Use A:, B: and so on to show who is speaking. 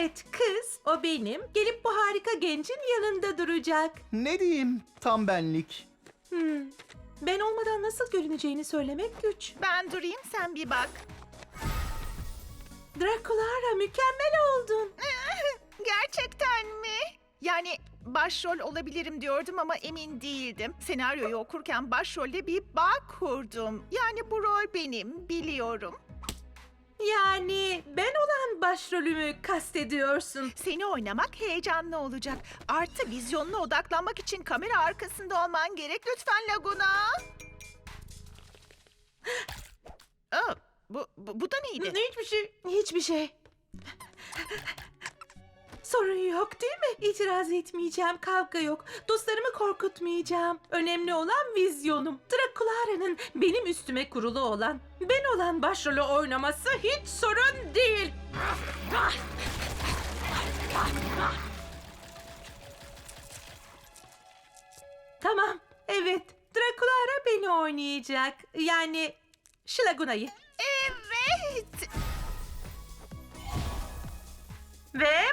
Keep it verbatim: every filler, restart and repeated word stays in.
A: Evet, kız, o benim. Gelip bu harika gencin yanında duracak.
B: Ne diyeyim, tam benlik.
A: Hmm. Ben olmadan nasıl görüneceğini söylemek güç.
C: Ben durayım, sen bir bak.
A: Draculara, mükemmel oldun.
C: Gerçekten mi? Yani başrol olabilirim diyordum ama emin değildim. Senaryoyu okurken başrolle bir bağ kurdum. Yani bu rol benim, biliyorum.
A: Yani ben olan başrolümü kastediyorsun.
C: Seni oynamak heyecanlı olacak. Artı vizyonuna odaklanmak için kamera arkasında olman gerek. Lütfen Laguna. Aa, bu, bu, bu da neydi?
A: Hiçbir şey. Hiçbir şey. Sorun yok değil mi? İtiraz etmeyeceğim, kavga yok. Dostlarımı korkutmayacağım. Önemli olan vizyonum. Draculara'nın benim üstüme kurulu olan, ben olan başrolü oynaması hiç sorun değil. Tamam, evet. Draculara beni oynayacak. Yani Şlaguna'yı.
C: Evet.
A: Ve